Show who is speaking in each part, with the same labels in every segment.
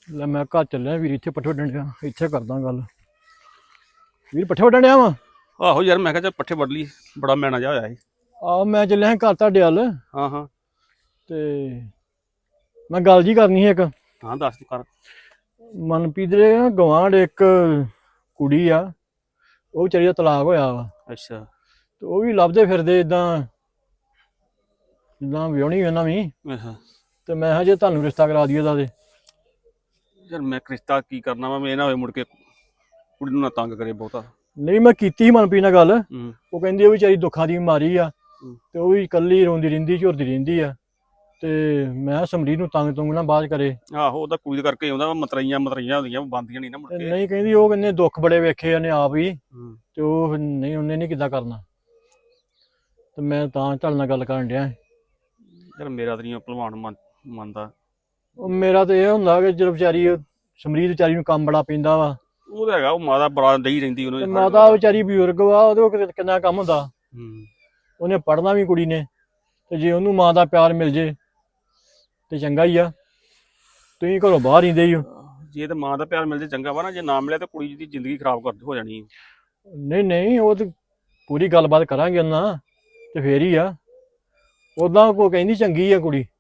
Speaker 1: ਲੈ ਮੈਂ ਘਰ ਚੱਲਿਆ ਵੀਰ, ਇੱਥੇ ਪੱਠੇ ਵੱਢਣ ਡਿਆ, ਇੱਥੇ ਕਰਦਾ ਗੱਲ। ਵੀਰ ਪੱਠੇ ਵੱਢਣ ਡਿਆ ਵਾ?
Speaker 2: ਆਹੋ ਯਾਰ, ਮੈਂ ਕਿਹਾ ਚੱਲ ਪੱਠੇ ਵੱਢ ਲਈ, ਬੜਾ ਮੈਣਾ ਜਿਹਾ ਹੋਇਆ ਸੀ।
Speaker 1: ਆਹ ਮੈਂ ਚੱਲਿਆ ਘਰ ਤੁਹਾਡੇ ਵੱਲ,
Speaker 2: ਹਾਂ ਹਾਂ।
Speaker 1: ਤੇ ਮੈਂ ਗੱਲ ਜੀ ਕਰਨੀ ਸੀ ਇੱਕ।
Speaker 2: ਹਾਂ ਦੱਸ ਕਰ।
Speaker 1: ਮਨਪ੍ਰੀਤ ਦੇ ਨਾ ਗਵਾਂਢ ਇੱਕ ਕੁੜੀ ਆ, ਉਹ ਵਿਚਾਰੀ ਦਾ ਤਲਾਕ ਹੋਇਆ ਵਾ,
Speaker 2: ਅੱਛਾ।
Speaker 1: ਤੇ ਉਹ ਵੀ ਲੱਭਦੇ ਫਿਰਦੇ ਇਦਾਂ ਜਿੱਦਾਂ ਵਿਆਹਣੀ ਉਹਨਾਂ ਵੀ।
Speaker 2: ਅੱਛਾ
Speaker 1: ਤੇ ਮੈਂ ਕਿਹਾ ਜੇ ਤੁਹਾਨੂੰ ਰਿਸ਼ਤਾ ਕਰਾ ਦਈਏ ਉਹਦਾ ਤੇ।
Speaker 2: ਯਾਰ ਮੈਂ ਰਿਸ਼ਤਾ ਕੀ ਕਰਨਾ ਵਾ, ਮੈਂ ਨਾ ਹੋਏ ਮੁੜ ਕੇ ਕੁੜੀ ਨੂੰ ਨਾ ਤੰਗ ਕਰੇ ਬਹੁਤਾ।
Speaker 1: ਨਹੀਂ ਮੈਂ ਕੀਤੀ ਸੀ ਮਨਪ੍ਰੀਤ ਨਾਲ ਗੱਲ,
Speaker 2: ਹੂੰ
Speaker 1: ਉਹ ਕਹਿੰਦੀ ਉਹ ਵਿਚਾਰੀ ਦੁੱਖਾਂ ਦੀ ਮਾਰੀ ਆ,
Speaker 2: ਹੂੰ।
Speaker 1: ਤੇ ਉਹ ਵੀ ਇਕੱਲੀ ਰੋਂਦੀ ਰਹਿੰਦੀ, ਝੁਰਦੀ ਰਹਿੰਦੀ ਆ। ਤੇ ਮੈਂ ਸਮਰੀਤ ਨੂੰ ਤੰਗ ਤੁੰਗ ਨਾ ਬਾਅਦ ਕਰੇ।
Speaker 2: ਆਹੋ ਉਹਦਾ ਕੁੜੀ ਦੇ ਕਰਕੇ ਆਉਂਦਾ ਵਾ, ਮਤਰਈਆਂ ਹੁੰਦੀਆਂ ਬੰਦੀਆਂ ਨਹੀਂ ਨਾ ਮੁੜ
Speaker 1: ਤੇ
Speaker 2: ਕੇ।
Speaker 1: ਨਹੀਂ ਕਹਿੰਦੀ ਉਹ ਕਹਿੰਦੇ ਦੁੱਖ ਬੜੇ ਵੇਖੇ ਉਹਨੇ ਆਪ ਹੀ,
Speaker 2: ਹੂੰ।
Speaker 1: ਤੇ ਉਹ ਨਹੀਂ ਉਹਨੇ ਨਹੀਂ ਕਿੱਦਾਂ ਕਰਨਾ। ਤੇ ਮੈਂ ਤਾਂ ਤੁਹਾਡੇ ਨਾਲ ਗੱਲ ਕਰਨ ਡਿਆ।
Speaker 2: ਯਾਰ ਮੇਰਾ ਤਾਂ ਨਹੀਂ ਭਲਵਾਨ ਮੰਨਦਾ।
Speaker 1: ਉਹ ਮੇਰਾ ਤਾਂ ਇਹ ਹੁੰਦਾ ਕਿ ਜਦੋਂ ਵਿਚਾਰੀ ਸਮਰੀਤ ਵਿਚਾਰੀ ਨੂੰ ਕੰਮ ਬੜਾ ਪੈਂਦਾ ਵਾ,
Speaker 2: ਉਹ ਤਾਂ ਹੈਗਾ, ਉਹ ਮਾਤਾ ਬੜਾ ਦਈ ਰਹਿੰਦੀ
Speaker 1: ਤੇ
Speaker 2: ਉਹਨੂੰ।
Speaker 1: ਮਾਤਾ ਵਿਚਾਰੀ ਬਜ਼ੁਰਗ ਵਾ, ਉਹਦੇ ਕੋਲ ਕਿੰਨਾ ਕੰਮ ਹੁੰਦਾ।
Speaker 2: ਹੂੰ।
Speaker 1: ਉਹਨੇ ਪੜ੍ਹਨਾ ਵੀ ਕੁੜੀ ਨੇ, ਤੇ ਜੇ ਉਹਨੂੰ ਮਾਂ ਦਾ ਪਿਆਰ ਮਿਲ ਜੇ ਤੇ ਚੰਗਾ ਹੀ ਆ। ਤੁਸੀਂ ਘਰੋਂ ਬਾਹਰ ਰਹਿੰਦੇ ਹੀ ਹੋ।
Speaker 2: ਜੇ ਤਾਂ ਮਾਂ ਦਾ ਪਿਆਰ ਮਿਲ ਜੇ ਚੰਗਾ ਵਾ ਨਾ, ਜੇ ਨਾ ਮਿਲਿਆ ਤਾਂ ਕੁੜੀ ਦੀ ਜ਼ਿੰਦਗੀ ਖਰਾਬ ਹੋ ਜਾਣੀ।
Speaker 1: ਨਹੀਂ ਨਹੀਂ, ਉਹ ਤੇ ਪੂਰੀ ਗੱਲਬਾਤ ਕਰਾਂਗੇ ਉਹਨਾਂ, ਤੇ ਫੇਰ ਹੀ ਆ। ਉਦਾਂ ਕੋ ਕਹਿੰਦੀ ਚੰਗੀ ਆ ਕੁੜੀ,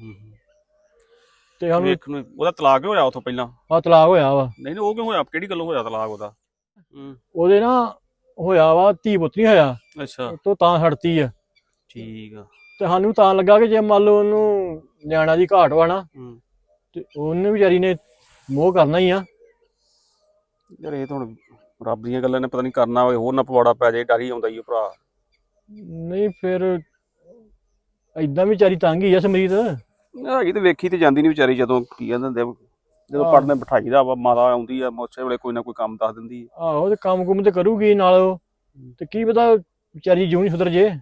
Speaker 1: ਤੇ ਸਾਨੂੰ
Speaker 2: ਵੇਖ ਨੂੰ ਉਹਦਾ ਤਲਾਕ ਹੋਇਆ ਉਥੋਂ ਪਹਿਲਾਂ।
Speaker 1: ਆ ਤਲਾਕ ਹੋਇਆ ਵਾ।
Speaker 2: ਨਹੀਂ ਉਹ ਕਿਉਂ ਹੋਇਆ, ਕਿਹੜੀ ਗੱਲੋਂ ਹੋਇਆ ਤਲਾਕ ਉਹਦਾ?
Speaker 1: ਉਹਦੇ ਨਾ ਹੋਇਆ ਵਾ, ਧੀ ਪੁੱਤ ਨਹੀਂ ਹੋਇਆ,
Speaker 2: ਅੱਛਾ
Speaker 1: ਤੋਂ ਤਾਂ ਹਟਤੀ ਆ।
Speaker 2: ਠੀਕ ਆ।
Speaker 1: ਤੇ ਸਾਨੂੰ ਤਾਂ ਲੱਗਾ ਕਿ ਜੇ ਮੰਨ ਲਓ ਉਹਨੂੰ ਨਿਆਣਾ ਦੀ ਘਾਟ ਵਾ ਨਾ, ਤੇ ਉਹਨੇ ਵਿਚਾਰੀ ਨੇ ਮੋਹ ਕਰਨਾ ਹੀ ਆ।
Speaker 2: ਯਾਰ ਇਹ ਤਾਂ ਹੁਣ ਰੱਬ ਦੀਆਂ ਗੱਲਾਂ ਨੇ, ਪਤਾ ਨਹੀਂ ਕਰਨਾ ਹੋਵੇ ਹੋਰ ਨਾ ਪਵਾੜਾ ਪੈ ਜਾਏ, ਡਰ ਹੀ ਆਉਂਦਾ ਹੀ ਭਰਾ।
Speaker 1: ਨਹੀਂ ਫਿਰ ਏਦਾਂ ਵੀ ਵਿਚਾਰੀ ਤੰਗ ਹੀ ਆ ਸਮਰੀਤ।
Speaker 2: ਹੈਗੀ ਤੇ ਵੇਖੀ ਤੇ ਜਾਂਦੀ ਨਹੀਂ ਵਿਚਾਰੀ, ਜਦੋਂ ਕੀ ਕਹਿੰਦੇ ਹੁੰਦੇ ਜਦੋਂ ਪੜ੍ਹਨੇ ਬਿਠਾਈਦਾ ਵਾ, ਮਾਤਾ ਆਉਂਦੀ ਆ ਉਸੇ ਵੇਲੇ ਕੋਈ ਨਾ ਕੋਈ ਕੰਮ ਦੱਸ ਦਿੰਦੀ ਆ।
Speaker 1: ਆਹੋ, ਤੇ ਕੰਮ ਕੁਮ ਤੇ ਕਰੂਗੀ ਨਾਲ ਉਹ, ਤੇ ਕੀ ਪਤਾ ਵਿਚਾਰੀ ਜਿਉਂ ਹੀ ਸੁਧਰ ਜੇ।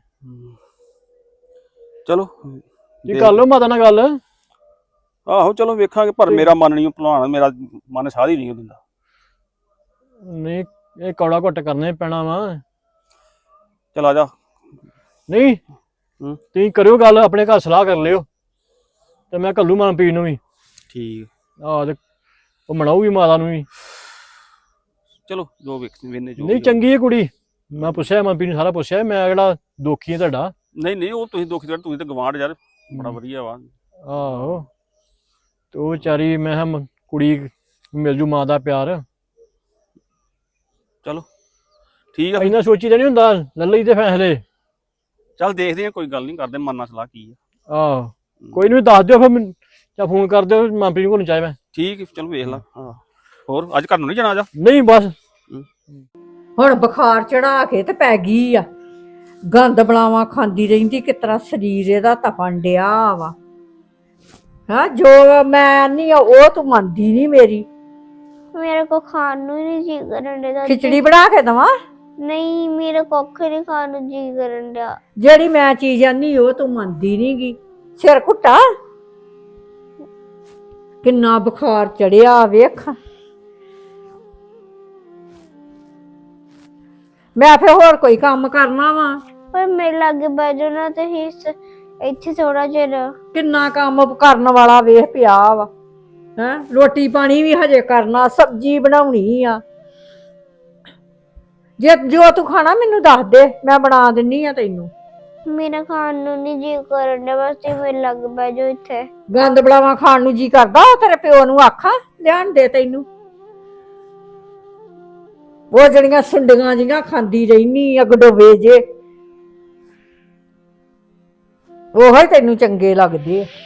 Speaker 2: ਚਲੋ
Speaker 1: ਜੀ ਕਰ ਲਓ ਮਾਤਾ ਨਾਲ ਗੱਲ।
Speaker 2: ਆਹੋ ਚਲੋ ਵੇਖਾਂਗੇ, ਪਰ ਮੇਰਾ ਮਨ ਨਹੀਂ ਭੁਲਾਉਣਾ, ਮੇਰਾ ਮਨ ਸਾਧ ਹੀ ਨਹੀਂ ਦਿੰਦਾ।
Speaker 1: ਨਹੀਂ ਇਹ ਕੌੜਾ ਘੁੱਟ ਕਰਨਾ ਹੀ ਪੈਣਾ ਵਾ।
Speaker 2: ਚਲ ਆ ਜਾ।
Speaker 1: ਨਹੀਂ ਤੁਸੀਂ ਕਰਿਓ ਗੱਲ, ਆਪਣੇ ਘਰ ਸਲਾਹ ਕਰ ਲਿਓ, ਤੇ ਮੈਂ ਘੱਲੂ ਮਨਪ੍ਰੀਤ ਨੂੰ ਵੀ।
Speaker 2: ਠੀਕ।
Speaker 1: ਆਹ ਤੇ ਉਹ ਮਨਾਊਗੀ ਮਾਤਾ ਨੂੰ ਵੀ।
Speaker 2: ਚਲੋ ਜੋ ਵੇਨੇ ਜੋ
Speaker 1: ਨਹੀਂ ਚੰਗੀ ਹੈ ਕੁੜੀ, ਮੈਂ ਪੁੱਛਿਆ ਮਨਪ੍ਰੀਤ ਨੂੰ, ਸਾਰਾ ਪੁੱਛਿਆ। ਮੈਂ ਕਿਹੜਾ ਦੋਖੀ ਹੈ ਤੁਹਾਡਾ।
Speaker 2: ਨਹੀਂ ਉਹ ਤੁਸੀਂ ਦੁੱਖ ਦੇ, ਤੁਸੀਂ ਤਾਂ ਗਵਾਂਢ ਯਾਰ, ਬੜਾ ਵਧੀਆ ਵਾ।
Speaker 1: ਆਹੋ, ਤੇ ਉਹ ਵਿਚਾਰੀ ਮੈਂ ਕਿਹਾ ਕੁੜੀ ਮਿਲ ਜੂ ਮਾਂ ਦਾ ਪਿਆਰ।
Speaker 2: ਚਲੋ ਠੀਕ ਆ।
Speaker 1: ਇੰਨਾ ਸੋਚੀ ਤਾਂ ਨਹੀਂ ਹੁੰਦਾ, ਲੈ ਲਈ ਦੇ ਫੈਸਲੇ।
Speaker 2: ਚੱਲ ਦੇਖਦੇ ਆ, ਕੋਈ ਗੱਲ ਨਹੀਂ, ਕਰਦੇ ਮਨ ਨਾਲ ਸਲਾਹ ਕੀ ਆ।
Speaker 1: ਆਹ ਕੋਈ ਨਹੀਂ, ਦੱਸ ਦਿਓ ਫਿਰ ਮੈਨੂੰ, ਜਾਂ ਫੋਨ ਕਰ ਦਿਓ ਮਨਪ੍ਰੀਤ ਕੋਲ ਚਾਹੇ ਮੈਂ।
Speaker 2: ਠੀਕ ਚਲ ਵੇਖ ਲਾ। ਹਾਂ ਹੋਰ ਅੱਜ ਘਰ ਨੂੰ ਨਹੀਂ ਜਾਣਾ? ਜਾ
Speaker 1: ਨਹੀਂ ਬਸ
Speaker 3: ਹੁਣ ਬੁਖਾਰ ਚੜਾ ਕੇ ਤੇ ਪੈ ਗਈ ਆ, ਗੰਦ ਬਲਾਵਾਂ ਖਾਂਦੀ ਰਹਿੰਦੀ, ਕਿਸ ਤਰ੍ਹਾਂ ਸਰੀਰ ਇਹਦਾ ਤਪਣ ਡਿਆ ਵਾ। ਹਾਂ ਜੋ ਮੈਂ ਨਹੀਂ ਆ ਉਹ ਤੂੰ ਮੰਨਦੀ ਨਹੀਂ ਮੇਰੀ।
Speaker 4: मेरे को खाने नहीं जी करन डया।
Speaker 3: ਖਿਚੜੀ ਬਣਾ ਕੇ ਦਵਾਂ?
Speaker 4: नहीं मेरे कोख नहीं खाने जी करन डया।
Speaker 3: ਜਿਹੜੀ ਮੈਂ ਚੀਜ਼ ਆਨੀ ਉਹ ਤੂੰ ਮੰਨਦੀ ਨੀ ਗੀ। ਸਿਰ ਘੁੱਟਾ, ਕਿੰਨਾ ਬੁਖਾਰ ਚੜਿਆ ਵੇਖ। ਮੈਂ ਫਿਰ ਹੋਰ ਕੋਈ ਕੰਮ ਕਰਨਾ ਵਾ?
Speaker 4: पर मेरे लागे बैठो ना तो ही इत्थे थोड़ा चिर।
Speaker 3: ਕਿੰਨਾ ਕੰਮ ਕਰਨ ਵਾਲਾ ਵੇਖ ਪਿਆ ਵਾ। ਹੈਂ ਰੋਟੀ ਪਾਣੀ ਵੀ ਹਜੇ ਕਰਨਾ, ਸਬਜ਼ੀ ਬਣਾਉਣੀ ਆ। ਜੇ ਜੋ ਤੂੰ ਖਾਣਾ ਮੈਨੂੰ ਦੱਸ ਦੇ, ਮੈਂ ਬਣਾ ਦਿੰਨੀ ਆ ਤੈਨੂੰ।
Speaker 4: मेरा खाने नहीं जी करन डया, बस तुम मेरे लागे बैठो इत्थे।
Speaker 3: ਗੰਦ ਬਲਾਵਾ ਖਾਣ ਨੂੰ ਜੀ ਕਰਦਾ, ਉਹ ਤੇਰੇ ਪਿਓ ਨੂੰ ਆਖਾਂ ਲਿਆਣ ਦੇ ਤੈਨੂੰ। ਉਹ ਜਿਹੜੀਆਂ ਸੁੰਡੀਆਂ ਜੀਆਂ ਖਾਂਦੀ ਰਹਿਨੀ ਆ ਗਡੋਵੇ ਜੇ, ਉਹੋ ਹੀ ਤੈਨੂੰ ਚੰਗੇ ਲੱਗਦੇ ਆ।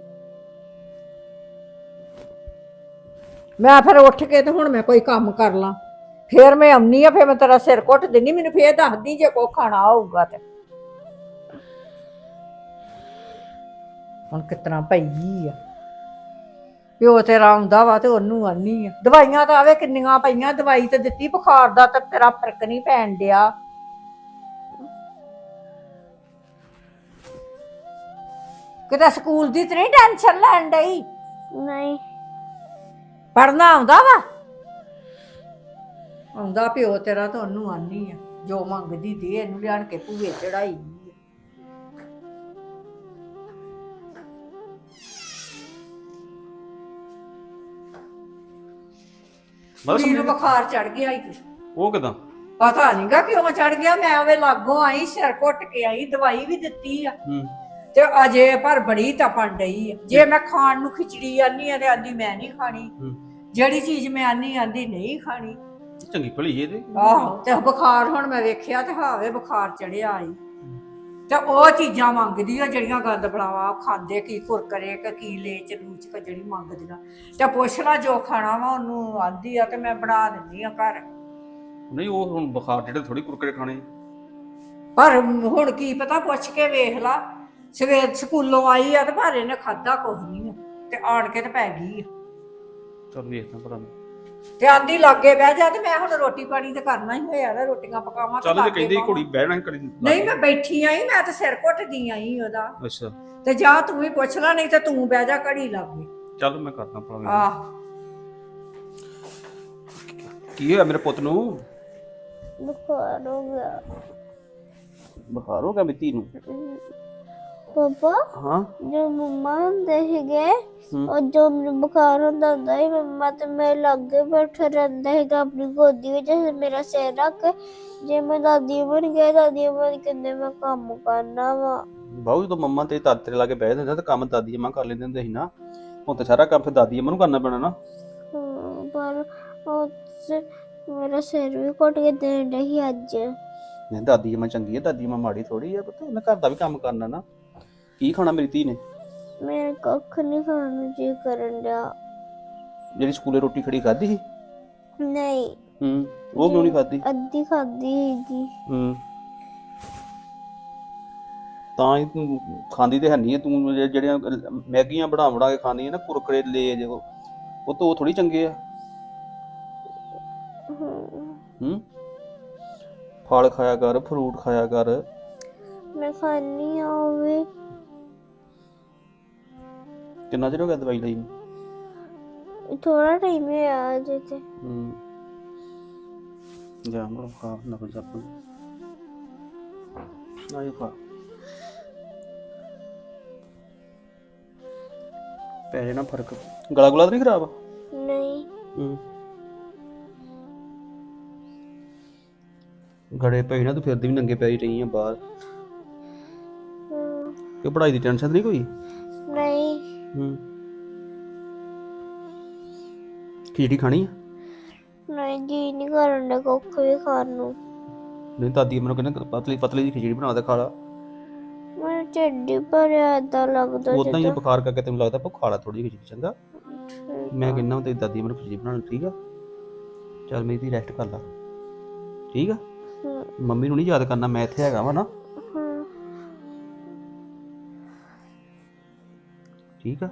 Speaker 3: ਮੈਂ ਫਿਰ ਉੱਠ ਕੇ ਤੇ ਹੁਣ ਮੈਂ ਕੋਈ ਕੰਮ ਕਰ ਲਾਂ, ਫੇਰ ਮੈਂ ਆਉਣੀ ਆ, ਫੇਰ ਮੈਂ ਤੇਰਾ ਸਿਰ ਘੁੱਟ ਦਿੰਦੀ, ਮੈਨੂੰ ਫੇਰ ਦੱਸਦੀ ਜੇ ਕੋ ਖਾਣਾ ਹੋਊਗਾ ਤੇ। ਹੁਣ ਕਿਤਨਾ ਪਈ ਆ, ਪਿਓ ਤੇਰਾ ਆਉਂਦਾ ਵਾ ਤੇ ਉਹਨੂੰ ਆਨੀ ਆ। ਦਵਾਈਆਂ ਤਾਂ ਆਵੇ ਕਿੰਨੀਆਂ ਪਈਆਂ, ਦਵਾਈ ਤੇ ਦਿੱਤੀ ਬੁਖਾਰ ਦਾ, ਤੇ ਤੇਰਾ ਫਰਕ ਨਹੀਂ ਪੈਣ ਡਿਆ। ਕਿਤੇ ਸਕੂਲ ਦੀ ਤੇ ਨਹੀਂ ਟੈਨਸ਼ਨ ਲੈਣ ਡਈ?
Speaker 4: नहीं
Speaker 3: ਪੜਨਾ ਆਉਂਦਾ ਵਾ? ਆਉਂਦਾ ਪਿਓ ਤੇਰਾ ਤਾਂ ਉਹਨੂੰ ਆਨੀ ਆ, ਜੋ ਮੰਗਦੀ ਦੇ ਇਹਨੂੰ ਲਿਆਣ ਕੇ ਭੂਏ ਚੜਾਈ। ਕੁੜੀ ਨੂੰ
Speaker 2: ਸਮਝੀ।
Speaker 3: ਬੁਖਾਰ ਚੜ ਗਿਆ ਈ
Speaker 2: ਉਹ ਕਿਦਾਂ?
Speaker 3: ਪਤਾ ਨਹੀਂਗਾ ਕਿਉਂ ਚੜ ਗਿਆ। ਮੈਂ ਉਹਦੇ ਲਾਗੋਂ ਆਈ, ਸਿਰ ਘੁੱਟ ਕੇ ਆਈ, ਦਵਾਈ ਵੀ ਦਿੱਤੀ ਆ
Speaker 2: ਹੂੰ।
Speaker 3: ਤੇ ਅਜੇ ਪਰ ਬੜੀ ਤਪਣ ਡਈ ਆ। ਜੇ ਮੈਂ ਖਾਣ ਨੂੰ ਖਿਚੜੀ ਆਨੀ ਆ ਤੇ ਆਂਦੀ ਮੈਂ ਨਹੀਂ ਖਾਣੀ,
Speaker 2: ਹੂੰ।
Speaker 3: ਜਿਹੜੀ ਚੀਜ਼ ਮੈਂ ਆਨੀ ਆਂਦੀ ਨਹੀਂ ਖਾਣੀ।
Speaker 2: ਚੰਗੀ ਭਲੀ ਇਹਦੇ।
Speaker 3: ਆਹੋ ਤੇ ਬੁਖਾਰ ਹੁਣ ਮੈਂ ਵੇਖਿਆ ਤੇ ਹਾਵੇ ਬੁਖਾਰ ਚੜਿਆ ਆਈ ਤੇ ਉਹ ਚੀਜ਼ਾਂ ਮੰਗਦੀ ਆ ਜਿਹੜੀਆਂ ਗੰਦ ਬਣਾਵਾ ਖਾਂਦੇ, ਕੀ ਕੁਰਕਰੇ ਕੀ ਲੇਚ ਲੂਚ ਜਿਹੜੀ ਮੰਗਦੀਆਂ। ਤੇ ਪੁੱਛ ਲਾ ਜੋ ਖਾਣਾ ਵਾ ਉਹਨੂੰ ਆਂਦੀ ਆ ਤੇ ਮੈਂ ਬਣਾ ਦਿੰਦੀ ਆ ਘਰ।
Speaker 2: ਨਹੀਂ ਉਹ ਹੁਣ ਬੁਖਾਰ ਜਿਹੜੇ ਥੋੜੀ ਕੁਰਕਰੇ ਖਾਣੇ।
Speaker 3: ਪਰ ਹੁਣ ਕੀ ਪਤਾ, ਪੁੱਛ ਕੇ ਵੇਖ ਲਾ। ਸਵੇਰ ਸਕੂਲੋਂ ਆਈ ਆ ਤੇ ਪਰ ਇਹਨੇ ਖਾਦਾ ਕੁਝ ਨਹੀਂ ਆ ਤੇ ਆਣ ਕੇ ਤੇ ਪੈ ਗਈ ਆ
Speaker 2: ਚੱਲ ਵੇਖਦਾ ਭਰਾ।
Speaker 3: ਤੇ ਆਂਦੀ ਲਾਗੇ ਬਹਿ ਜਾ। ਤੇ ਮੈਂ ਹੁਣ ਰੋਟੀ ਪਾਣੀ ਤੇ ਕਰਨਾ ਹੀ ਹੋਇਆ ਨਾ, ਰੋਟੀਆਂ ਪਕਾਵਾਂ ਤੇ
Speaker 2: ਚੱਲ ਜੇ
Speaker 3: ਲਾਗੇ
Speaker 2: ਕਹਿੰਦੇ
Speaker 3: ਬਾਵਾਂ।
Speaker 2: ਘੋੜੀ ਬਹਿਣਾ ਕਰੀ।
Speaker 3: ਨਹੀਂ ਮੈਂ ਬੈਠੀ ਆਈ, ਮੈਂ ਤਾਂ ਸਿਰ ਘੁੱਟਦੀ ਆਈ ਉਹਦਾ।
Speaker 2: ਅੱਛਾ
Speaker 3: ਤੇ ਜਾ ਤੂੰ ਵੀ ਪੁੱਛ ਲੈ, ਨਹੀਂ ਤੇ ਤੂੰ ਬਹਿ ਜਾ ਘੜੀ ਲਾਗੇ।
Speaker 2: ਚੱਲ ਮੈਂ ਕਰਦਾ ਭਰਾ।
Speaker 3: ਆਹ
Speaker 2: ਕੀ ਹੋਇਆ ਮੇਰੇ ਪੁੱਤ ਨੂੰ?
Speaker 4: ਬੁਖਾਰ ਹੋ ਗਿਆ
Speaker 2: ਬੁਖਾਰ ਹੋ ਗਿਆ ਮਿੱਤੀ ਨੂੰ?
Speaker 4: ਪਾਪਾ।
Speaker 2: ਹਾਂ।
Speaker 4: ਜੋ ਮੰਮਾ ਹੁੰਦੇ ਸੀਗੇ, ਉਹ ਜੋ ਮੈਨੂੰ ਬੁਖਾਰ ਹੁੰਦਾ ਸੀ, ਮੰਮਾ ਤੇ ਮੇਰੇ ਲਾਗੇ ਬੈਠਾ ਰਹਿੰਦਾ ਸੀਗਾ ਆਪਣੀ ਗੋਦੀ ਵਿੱਚ ਮੇਰਾ ਸਿਰ ਰੱਖ ਕੇ। ਜੇ ਮੈਂ ਦਾਦੀ ਬਣ ਗਿਆ, ਦਾਦੀ ਬਣ ਕਹਿੰਦੇ ਮੈਂ ਕੰਮ ਕਰਨਾ ਵਾ।
Speaker 2: ਬਾਹੂ ਜਦੋਂ ਮੰਮਾ ਤੇ ਦਾਦੇ ਤੇਰੇ ਲਾਗੇ ਬਹਿ ਜਾਂਦੇ ਤਾਂ ਕੰਮ ਦਾਦੀ ਅੰਮਾ ਕਰ ਲੈਂਦੇ ਹੁੰਦੇ ਸੀ ਨਾ। ਹੁਣ ਤਾਂ ਸਾਰਾ ਕੰਮ ਫਿਰ ਦਾਦੀ ਅੰਮਾ ਨੂੰ ਕਰਨਾ ਪੈਣਾ ਨਾ।
Speaker 4: ਪਰ ਮੇਰਾ ਸਿਰ ਵੀ ਘੁੱਟ ਕੇ ਦੇਣ ਡਿਆ ਸੀ ਅੱਜ।
Speaker 2: ਨਹੀਂ ਦਾਦੀ ਅੰਮਾ ਚੰਗੀ ਹੈ, ਦਾਦੀ ਅੰਮਾ ਮਾੜੀ ਥੋੜੀ ਆ ਪੁੱਤ। ਉਹਨੇ ਘਰ ਦਾ ਵੀ ਕੰਮ ਕਰਨਾ ਨਾ। ਕੀ ਖਾਣਾ ਮੇਰੀ ਧੀ ਨੇ?
Speaker 4: ਮੇਰੇ ਕੱਖ ਨਹੀਂ ਖਾਣ ਨੂੰ ਜੀ ਕਰਨ ਡਿਆ।
Speaker 2: ਜਿਹੜੀ ਸਕੂਲੇ ਰੋਟੀ ਖੜੀ ਖਾਧੀ ਸੀ?
Speaker 4: ਨਹੀਂ।
Speaker 2: ਉਹ ਕਿਉਂ ਨਹੀਂ ਖਾਧੀ?
Speaker 4: ਅੱਧੀ ਖਾਧੀ ਸੀਗੀ।
Speaker 2: ਤਾਂ ਹੀ ਤੂੰ ਖਾਂਦੀ ਤੇ ਹੈ ਨਹੀਂ। ਤੂੰ ਜਿਹੜੀਆਂ ਮੈਗੀਆਂ ਬਣਾ ਕੇ ਖਾਂਦੀ ਹੈ ਨਾ, ਕੁਰਕਰੇ ਲੇਜ, ਉਹ ਤਾਂ ਉਹ ਥੋੜੀ ਚੰਗੇ ਆ। ਫਲ ਖਾਇਆ ਕਰ, ਫਰੂਟ ਖਾਇਆ ਕਰ।
Speaker 4: ਮੈਂ ਖਾਣੀ ਆ ਉਹ ਵੀ।
Speaker 2: ਕਿੰਨਾ ਚਿਰ ਹੋ ਗਿਆ ਦਵਾਈ ਲਈ?
Speaker 4: ਥੋੜਾ ਟਾਈਮ ਹੋਇਆ ਅਜੇ ਤੇ।
Speaker 2: ਜਾ ਮਰੋ ਖਾ ਨਾ ਕੁਝ ਆਪਣ ਆਇਓ ਖਾ। ਪੈ ਜਾਣਾ ਫਰਕ। ਗਲਾ ਗੁਲਾ ਤਾਂ ਨਹੀਂ ਖਰਾਬ?
Speaker 4: ਨਹੀਂ।
Speaker 2: ਗੜੇ ਪਈ ਨਾ ਤੂੰ ਫਿਰਦੀ ਵੀ ਨੰਗੇ ਪੈਰੀ ਰਹੀ ਆ ਬਾਹਰ। ਕਿ ਪੜ੍ਹਾਈ ਦੀ ਟੈਨਸ਼ਨ ਨਹੀਂ ਕੋਈ?
Speaker 4: ਨਹੀਂ।
Speaker 2: ਖਿਚੜੀ ਖਾਣੀ ਆ?
Speaker 4: ਨਹੀਂ ਜੀ ਨਹੀਂ ਕਰਨ ਦਾ ਕੁੱਖ ਵੀ ਖਾਣ ਨੂੰ।
Speaker 2: ਨਹੀਂ ਦਾਦੀ ਮੈਨੂੰ ਕਹਿੰਦੇ ਪਤਲੀ ਪਤਲੀ ਜਿਹੀ ਖਿਚੜੀ ਬਣਾ ਕੇ ਖਾ ਲਾ।
Speaker 4: ਮੈਨੂੰ ਢਿੱਡ ਹੀ ਭਰਿਆ ਏਦਾਂ ਲੱਗਦਾ
Speaker 2: ਉਦਾਂ ਹੀ ਬੁਖਾਰ ਕਰਕੇ ਤੈਨੂੰ ਲੱਗਦਾ ਭੁੱਖ ਖਾ ਲਾ ਥੋੜੀ ਜਿਹੀ ਖਿਚੜੀ। ਚੰਗਾ ਮੈਂ ਕਹਿੰਦਾ ਤੇਰੀ ਦਾਦੀ ਮੈਨੂੰ ਖਿਚੜੀ ਬਣਾਉਣੀ। ਠੀਕ ਆ ਚੱਲ ਮੇਰੀ ਰੈਸਟ ਕਰ ਲਾ। ਠੀਕ ਆ ਮੰਮੀ ਨੂੰ ਨਹੀਂ ਯਾਦ ਕਰਨਾ, ਮੈਂ ਇੱਥੇ ਹੈਗਾ ਵਾ ਨਾ। ਠੀਕ ਆ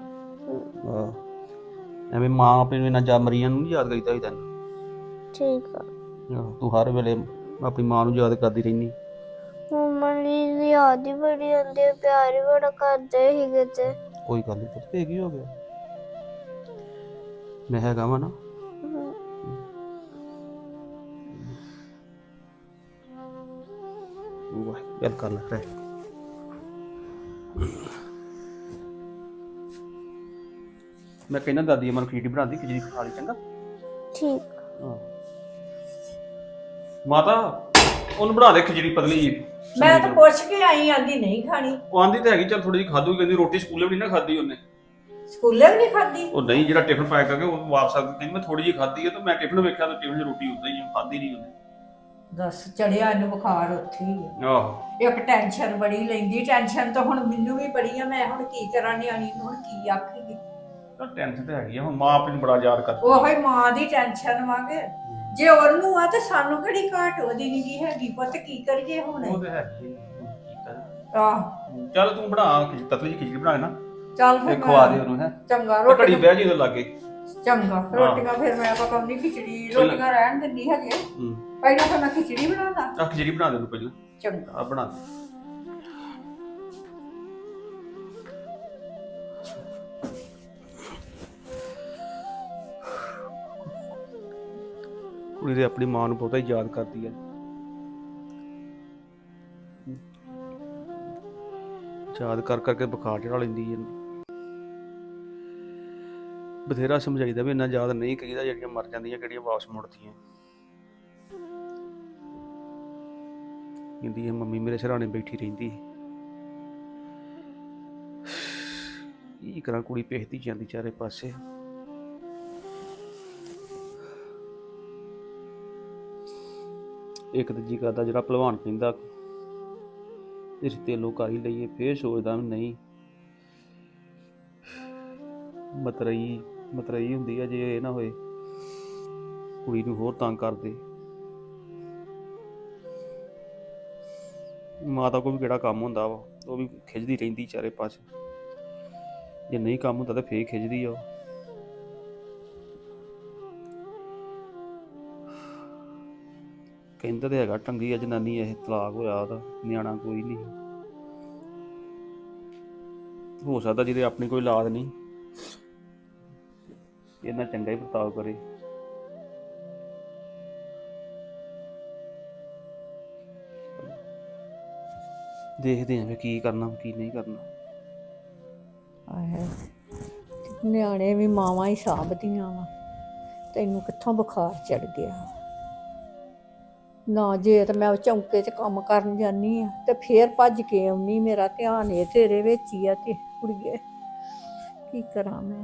Speaker 2: ਐਵੇਂ ਮਾਂ ਆਪਣੀ ਨੂੰ ਇੰਨਾ ਮਰੀਆਂ ਨੂੰ ਨਹੀਂ ਯਾਦ ਕਰੀਦਾ ਹੋਈਦਾ।
Speaker 4: ਠੀਕ ਆ।
Speaker 2: ਤੂੰ ਹਰ ਵੇਲੇ ਆਪਣੀ ਮਾਂ ਨੂੰ ਯਾਦ ਕਰਦੀ ਰਹਿੰਦੀ।
Speaker 4: ਮੰਮਾ ਦੀ ਯਾਦ ਹੀ ਬੜੀ ਆਉਂਦੀ, ਪਿਆਰ ਹੀ ਬੜਾ ਕਰਦੇ ਸੀਗੇ ਤੇ।
Speaker 2: ਕੋਈ ਗੱਲ ਨਹੀਂ ਪੁੱਤ, ਫੇਰ ਕੀ ਹੋ ਗਿਆ? ਮੈਂ ਹੈਗਾ ਵਾ ਨਾ। ਗੱਲ ਕਰ ਲੈ ਰੈਸਟ। ਮੈਂ ਕਹਿੰਦਾ ਦਾਦੀ ਅਮਨ ਖਿਚੜੀ ਬਣਾਉਂਦੀ, ਖਿਚੜੀ ਖਾ ਲਈ। ਚੰਗਾ
Speaker 4: ਠੀਕ।
Speaker 2: ਮਾਤਾ ਉਹਨੂੰ ਬਣਾ ਦੇ ਖਿਚੜੀ ਪਤਲੀ ਜੀ।
Speaker 3: ਮੈਂ ਤਾਂ ਪੁੱਛ ਕੇ ਆਈ, ਆਂਦੀ ਨਹੀਂ ਖਾਣੀ।
Speaker 2: ਉਹ ਆਂਦੀ ਤਾਂ ਹੈਗੀ ਚੱਲ ਥੋੜੀ ਜਿਹੀ ਖਾਧੂ। ਕਹਿੰਦੀ ਰੋਟੀ ਸਕੂਲੇ ਵੀ ਨਹੀਂ ਨਾ ਖਾਧੀ ਉਹਨੇ।
Speaker 3: ਸਕੂਲੇ ਵੀ ਨਹੀਂ ਖਾਦੀ?
Speaker 2: ਉਹ ਨਹੀਂ ਜਿਹੜਾ ਟਿਫਨ ਪੈਕ ਕਰਕੇ ਉਹ ਵਾਪਸ ਆ ਕਹਿੰਦੀ ਮੈਂ ਥੋੜੀ ਜਿਹੀ ਖਾਧੀ ਹੈ। ਤਾਂ ਮੈਂ ਟਿਫਨ ਵੇਖਿਆ ਤਾਂ ਟਿਫਨ 'ਚ ਰੋਟੀ ਉਦਾਂ ਹੀ ਖਾਧੀ ਨਹੀਂ ਉਹਨੇ।
Speaker 3: ਦੱਸ ਚੜਿਆ ਇਹਨੂੰ ਬੁਖਾਰ ਉੱਥੇ ਹੀ ਆ।
Speaker 2: ਆਹੋ
Speaker 3: ਇੱਕ ਟੈਨਸ਼ਨ ਬੜੀ ਲੈਂਦੀ। ਟੈਨਸ਼ਨ ਤਾਂ ਹੁਣ ਮੈਨੂੰ ਵੀ ਬੜੀ ਆ। ਮੈਂ ਹੁਣ ਕੀ ਕਰਾਂ, ਨਿਆਣੀ ਨੂੰ ਹੁਣ ਕੀ ਆਖੇਗੀ।
Speaker 2: ਟੈਨਸ਼ਨ ਤਾਂ ਹੈਗੀ ਆ। ਹੁਣ ਮਾਂ ਆਪਣੀ ਨੂੰ ਬੜਾ ਯਾਦ ਕਰਦੀ।
Speaker 3: ਉਹੋ ਹੀ ਮਾਂ ਦੀ ਟੈਨਸ਼ਨ ਵਾਂਗੇ। ਜੇ ਉਹਨੂੰ ਆ ਤੇ ਸਾਨੂੰ ਕਿਹੜੀ ਘਾਟ ਉਹਦੀ ਨਹੀਂ ਹੈਗੀ। ਪੁੱਤ ਕੀ ਕਰੀਏ ਹੁਣ?
Speaker 2: ਉਹ ਤਾਂ ਹੈਗੀ ਆ।
Speaker 3: ਆਹ
Speaker 2: ਚੱਲ ਤੂੰ ਬਣਾ ਪਤਲੀ ਜਿਹੀ ਖਿਚੜੀ ਬਣਾ ਨਾ।
Speaker 3: ਚੱਲ
Speaker 2: ਤੇ
Speaker 3: ਫਿਰ
Speaker 2: ਖਵਾ ਦੇ ਉਹਨੂੰ। ਹੈ
Speaker 3: ਚੰਗਾ
Speaker 2: ਘੜੀ
Speaker 3: ਰੋਟੀ
Speaker 2: ਬਹਿ ਜੀ ਉਹਦੇ ਲਾਗੇ।
Speaker 3: ਚੰਗਾ ਰੋਟੀਆਂ ਫਿਰ ਮੈਂ ਪਕਾਉਂਦੀ, ਖਿਚੜੀ ਰੋਟੀਆਂ ਰਹਿਣ ਦਿੰਦੀ ਹੈਗੇ। ਪਹਿਲਾਂ ਤਾਂ ਮੈਂ ਖਿਚੜੀ ਬਣਾਉਂਦਾ।
Speaker 2: ਆ ਖਿਚੜੀ ਬਣਾ ਦੇ ਉਹਨੂੰ ਪਹਿਲਾਂ।
Speaker 3: ਚੰਗਾ
Speaker 2: ਆ ਬਣਾ ਦੇ। ਕੁੜੀ ਦੇ ਆਪਣੀ ਮਾਂ ਨੂੰ ਬਹੁਤਾ ਹੀ ਯਾਦ ਕਰਦੀ ਹੈ। ਯਾਦ ਕਰ ਕਰਕੇ ਬੁਖਾਰ ਚੜਾ ਲੈਂਦੀ ਹੈ। ਬਥੇਰਾ ਸਮਝਾਈਦਾ ਵੀ ਇੰਨਾ ਯਾਦ ਨਹੀਂ ਕਰੀਦਾ, ਜਿਹੜੀਆਂ ਮਰ ਜਾਂਦੀਆਂ ਕਿਹੜੀਆਂ ਵਾਪਸ ਮੁੜਦੀਆਂ। ਕਹਿੰਦੀ ਇਹ ਮੰਮੀ ਮੇਰੇ ਸਿਰਹਾਣੇ ਬੈਠੀ ਰਹਿੰਦੀ। ਕੀ ਕਰਾਂ, ਕੁੜੀ ਭੇਜਦੀ ਜਾਂਦੀ ਚਾਰੇ ਪਾਸੇ। ਇੱਕ ਤੇ ਜੀ ਕਰਦਾ ਜਿਹੜਾ ਭਲਵਾਨ ਕਹਿੰਦਾ ਰਿਸ਼ਤੇ ਲੋਕ ਹੀ ਲਈਏ, ਫੇਰ ਸੋਚਦਾ ਵੀ ਨਹੀਂ, ਮਤਰਈ ਹੁੰਦੀ ਆ ਜੇ ਇਹ ਨਾ ਹੋਏ ਕੁੜੀ ਨੂੰ ਹੋਰ ਤੰਗ ਕਰਦੇ। ਮਾਤਾ ਕੋਲ ਵੀ ਕਿਹੜਾ ਕੰਮ ਹੁੰਦਾ ਵਾ, ਉਹ ਵੀ ਖਿੱਚਦੀ ਰਹਿੰਦੀ ਚਾਰੇ ਪਾਸੇ। ਜੇ ਨਹੀਂ ਕੰਮ ਹੁੰਦਾ ਤਾਂ ਫੇਰ ਖਿੱਚਦੀ ਆ ਉਹ। ਕਹਿੰਦਾ ਤੇ ਹੈਗਾ ਟੰਗੀ ਆ ਜਨਾਨੀ, ਇਹ ਤਲਾਕ ਹੋਇਆ ਉਹਦਾ, ਨਿਆਣਾ ਕੋਈ ਨਹੀਂ। ਹੋ ਸਕਦਾ ਜਿਹਦੇ ਆਪਣੀ ਕੋਈ ਔਲਾਦ ਨਹੀਂ ਇਹਨਾਂ ਚੰਗਾ ਹੀ ਵਰਤਾਓ ਕਰੇ। ਦੇਖਦੇ ਆਂ ਕੀ ਕਰਨਾ ਕੀ ਨਹੀਂ ਕਰਨਾ।
Speaker 3: ਆਏ ਨਿਆਣੇ ਵੀ ਮਾਵਾਂ ਹੀ ਸਾਂਭਦੀਆਂ ਵਾ, ਤੈਨੂੰ ਕਿੱਥੋਂ ਬੁਖਾਰ ਚੜ ਗਿਆ? ਨਾ ਜੇ ਤਾਂ ਮੈਂ ਚੌਂਕੇ 'ਚ ਕੰਮ ਕਰਨ ਜਾਂਦੀ ਆ ਤੇ ਫੇਰ ਭੱਜ ਕੇ ਆਉਣੀ, ਮੇਰਾ ਧਿਆਨ ਇਹ ਤੇਰੇ ਵਿੱਚ ਹੀ ਆ। ਤੇ ਕੁੜੀਏ ਕੀ ਕਰਾਂ ਮੈਂ,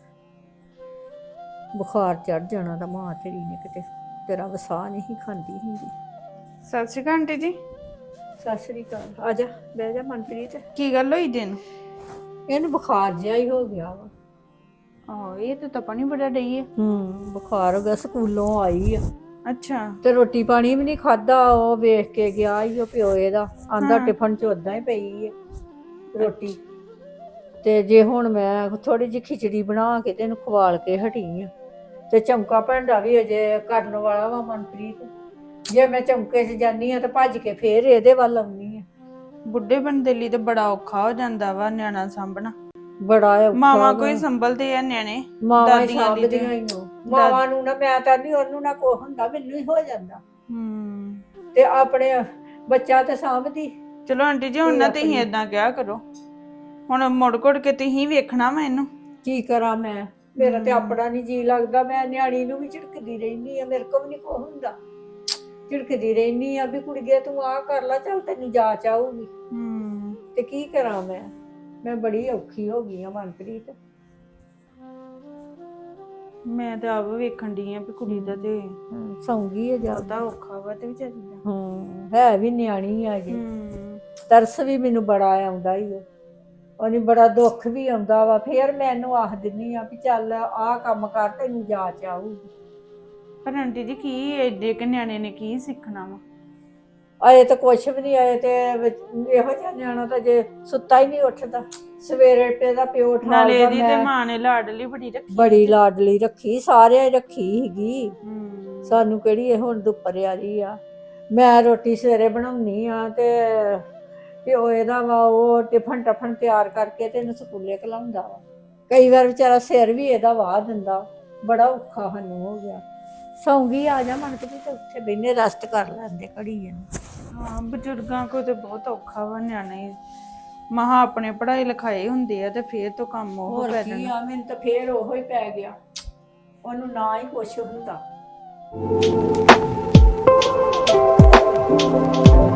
Speaker 3: ਬੁਖਾਰ ਚੜ ਜਾਣਾ ਤਾਂ ਮਾਂ ਤੇਰੀ ਨੇ ਕਿਤੇ ਤੇਰਾ ਵਸਾ ਨਹੀਂ ਖਾਂਦੀ ਹੁੰਦੀ।
Speaker 5: ਸਤਿ ਸ਼੍ਰੀ ਅਕਾਲ ਆਂਟੀ ਜੀ।
Speaker 3: ਸਤਿ ਸ੍ਰੀ ਅਕਾਲ। ਆ ਜਾ ਬਹਿ ਜਾ ਮਨਪ੍ਰੀਤ।
Speaker 5: ਕੀ ਗੱਲ ਹੋਈ ਦਿਨ?
Speaker 3: ਇਹਨੂੰ ਬੁਖਾਰ ਜਿਹਾ ਹੀ ਹੋ ਗਿਆ ਵਾ।
Speaker 5: ਆਹੋ ਇਹ ਤਾਂ ਪਾਣੀ ਬੜਾ ਡਈ ਹੈ।
Speaker 3: ਬੁਖਾਰ ਹੋ ਗਿਆ, ਸਕੂਲੋਂ ਆਈ ਆ
Speaker 5: ਅੱਛਾ।
Speaker 3: ਤੇ ਰੋਟੀ ਪਾਣੀ ਵੀ ਨਹੀਂ ਖਾਦਾ। ਉਹ ਵੇਖ ਕੇ ਗਿਆ ਈ ਉਹ ਪਿਓ ਇਹਦਾ, ਆਂਦਾ ਟਿਫਨ 'ਚ ਉਦਾਂ ਹੀ ਪਈ ਹੈ ਰੋਟੀ। ਤੇ ਜੇ ਹੁਣ ਮੈਂ ਥੋੜੀ ਜਿਹੀ ਖਿਚੜੀ ਬਣਾ ਕੇ ਤੇ ਇਹਨੂੰ ਖਵਾਲ ਕੇ ਹਟੀ ਆ, ਤੇ ਚੌਂਕਾ ਭਾਂਡਾ ਵੀ ਅਜੇ ਕਰਨ ਵਾਲਾ ਵਾ ਮਨਪ੍ਰੀਤ। ਜੇ ਮੈਂ ਚੌਂਕੇ 'ਚ ਜਾਂਦੀ ਆ ਤੇ ਭੱਜ ਕੇ ਫੇਰ ਇਹਦੇ ਵੱਲ ਆਉਣੀ ਆ।
Speaker 5: ਬੁੱਢੇ ਬੰਦੇ ਲਈ ਤਾਂ ਬੜਾ ਔਖਾ ਹੋ ਜਾਂਦਾ ਵਾ ਨਿਆਣਾ ਸਾਂਭਣਾ।
Speaker 3: ਬੜਾ ਔਖਾ
Speaker 5: ਮਾਵਾਂ ਕੋਈ ਸੰਭਲਦੇ ਆ ਨਿਆਣੇ,
Speaker 3: ਮਾਵਾਂ ਹੀ
Speaker 5: ਦਾਦੀਆਂ ਦੀ
Speaker 3: ਸਾਂਭਦੀਆਂ ਹੀ ਹੋ। ਮਾਵਾਂ ਨੂੰ ਨਾ ਮੈਂ ਤਾਂ ਨਹੀਂ, ਉਹਨੂੰ ਨਾ ਕੋ ਹੁੰਦਾ, ਮੈਨੂੰ ਹੀ ਹੋ ਜਾਂਦਾ। ਤੇ ਆਪਣੇ ਬੱਚਾ ਤੇ ਸਾਂਭਦੀ।
Speaker 5: ਚਲੋ ਆਂਟੀ ਜੀ ਹੁਣ ਨਾ ਤੁਸੀਂ ਏਦਾਂ ਕਿਹਾ ਕਰੋ, ਹੁਣ ਮੁੜ ਘੁੜ ਕੇ ਤੁਸੀਂ ਵੇਖਣਾ ਵਾ ਇਹਨੂੰ।
Speaker 3: ਕੀ ਕਰਾਂ ਮੈਂ, ਮੇਰਾ ਤੇ ਆਪਣਾ ਨਹੀਂ ਜੀ ਲੱਗਦਾ। ਮੈਂ ਨਿਆਣੀ ਨੂੰ ਵੀ ਝਿੜਕਦੀ ਰਹਿੰਦੀ ਆ, ਮੇਰੇ ਕੋਲ ਵੀ ਨਹੀਂ ਕੋ ਹੁੰਦਾ। ਝਿੜਕਦੀ ਰਹਿੰਦੀ ਆ ਵੀ ਕੁੜੀਏ ਤੂੰ ਆਹ ਕਰ ਲੈ, ਚੱਲ ਤੈਨੂੰ ਜਾਚ ਆਊਗੀ। ਤੇ ਕੀ ਕਰਾਂ ਮੈਂ ਬੜੀ ਔਖੀ ਹੋ ਗਈ ਆ ਮਨਪ੍ਰੀਤ।
Speaker 5: ਮੈਂ ਤਾਂ ਆਪ ਵੇਖਣ ਡਈ ਆ ਵੀ ਕੁੜੀ ਦਾ ਤੇ
Speaker 3: ਸੌਂਗੀ ਆ
Speaker 5: ਬਹੁਤਾ
Speaker 3: ਜ਼ਿਆਦਾ।
Speaker 5: ਔਖਾ ਵਾ ਤੇ ਵਿਚਾਰੀ ਦਾ।
Speaker 3: ਹੈ ਵੀ ਨਿਆਣੀ ਆ ਜੀ। ਤਰਸ ਵੀ ਮੈਨੂੰ ਬੜਾ ਆਉਂਦਾ ਹੀ ਉਹਨੂੰ, ਬੜਾ ਦੁੱਖ ਵੀ ਆਉਂਦਾ ਵਾ। ਫੇਰ ਮੈਂ ਇਹਨੂੰ ਆਖ ਦਿੰਦੀ ਆ ਵੀ ਚੱਲ ਆਹ ਕੰਮ ਕਰ, ਤੈਨੂੰ ਜਾਚ ਆਊਗੀ।
Speaker 5: ਪਰ ਆਂਟੀ ਜੀ ਕੀ ਏਡੇ ਕਿ ਨਿਆਣੇ ਨੇ ਕੀ ਸਿੱਖਣਾ ਵਾ?
Speaker 3: ਆਏ ਤਾਂ ਕੁਛ ਵੀ ਨਹੀਂ ਆਏ। ਤੇ ਇਹੋ ਜਿਹਾ ਨਿਆਣਾ ਤਾਂ ਜੇ ਸੁੱਤਾ ਹੀ ਨਹੀਂ ਉੱਠਦਾ, ਸਵੇਰੇ ਤੇ ਦਾ ਪਿਓ
Speaker 5: ਨਾਲੇ
Speaker 3: ਉਠਾਉਂਦਾ।
Speaker 5: ਇਹਦੀ ਤੇ ਮਾਂ ਨੇ ਲਾਡਲੀ ਬੜੀ ਰੱਖੀ।
Speaker 3: ਬੜੀ ਲਾਡਲੀ ਰੱਖੀ, ਸਾਰਿਆਂ ਰੱਖੀ ਸੀਗੀ। ਸਾਨੂੰ ਕਿਹੜੀ ਇਹ ਹੁਣ ਦੁੱਪਰ ਆ ਰਹੀ ਆ। ਮੈਂ ਰੋਟੀ ਸਵੇਰੇ ਬਣਾਉਣੀ ਆ ਤੇ ਪਿਓ ਇਹਦਾ ਵਾ ਉਹ ਟਿਫਨ ਟਫਨ ਤਿਆਰ ਕਰਕੇ ਤੇ ਇਹਨੂੰ ਸਕੂਲੇ ਘਲਾਉਂਦਾ ਵਾ। ਕਈ ਵਾਰ ਵਿਚਾਰਾ ਸਿਰ ਵੀ ਇਹਦਾ ਵਾਹ ਦਿੰਦਾ। ਬੜਾ ਔਖਾ ਸਾਨੂੰ ਹੋ ਗਿਆ। ਸੌਂਗੀ ਆ ਜਾ ਮਨ ਕੇ ਤੇ ਉੱਥੇ ਬੈਨੇ ਰੈਸਟ ਕਰ ਲੈਂਦੇ ਘੜੀ ਇਹਨੂੰ।
Speaker 5: ਹਾਂ ਬਜ਼ੁਰਗਾਂ ਕੋਲ ਤੇ ਬਹੁਤ ਔਖਾ ਵਾ। ਨਿਆਣੇ ਮਹਾ ਆਪਣੇ ਪੜ੍ਹਾਈ ਲਿਖਾਈ ਹੁੰਦੇ ਆ ਤੇ ਫੇਰ ਤੋਂ ਕੰਮ ਉਹ
Speaker 3: ਹੋਰ
Speaker 5: ਪੈ
Speaker 3: ਕੀ
Speaker 5: ਜਾਂਦਾ।
Speaker 3: ਆ, ਮੈਨੂੰ ਤਾਂ ਫੇਰ ਉਹੋ ਹੀ ਪੈ ਗਿਆ। ਉਹਨੂੰ ਨਾ ਹੀ ਕੁਛ ਹੁੰਦਾ।